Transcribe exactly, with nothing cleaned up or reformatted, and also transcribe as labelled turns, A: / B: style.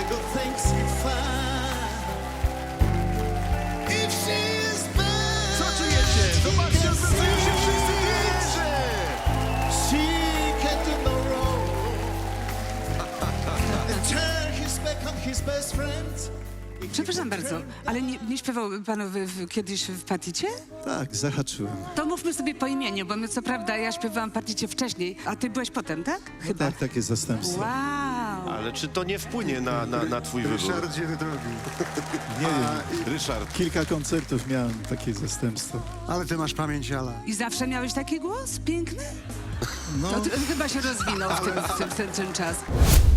A: good things you find. If she is bad,
B: Co czujecie? Zobaczcie, zdecydują się wszyscy klienci!
A: she can do no wrong. And turn his back on his best friend.
C: Przepraszam bardzo, ale nie, nie śpiewał pan w, w, kiedyś w Paticie?
D: Tak, zahaczyłem.
C: To mówmy sobie po imieniu, bo my co prawda ja śpiewałam Paticie wcześniej, a ty byłeś potem, tak? Chyba.
D: Tak, takie zastępstwo.
C: Wow.
B: Ale czy to nie wpłynie na, na, na twój wybór?
E: Ryszardzie drogi.
D: Nie wiem,
B: Ryszard.
D: kilka koncertów miałem takie zastępstwo.
E: Ale ty masz pamięć, Ala.
C: I zawsze miałeś taki głos piękny?
D: No,
C: To, ty- chyba się rozwinął w tym, w tym, w ten, ten czas.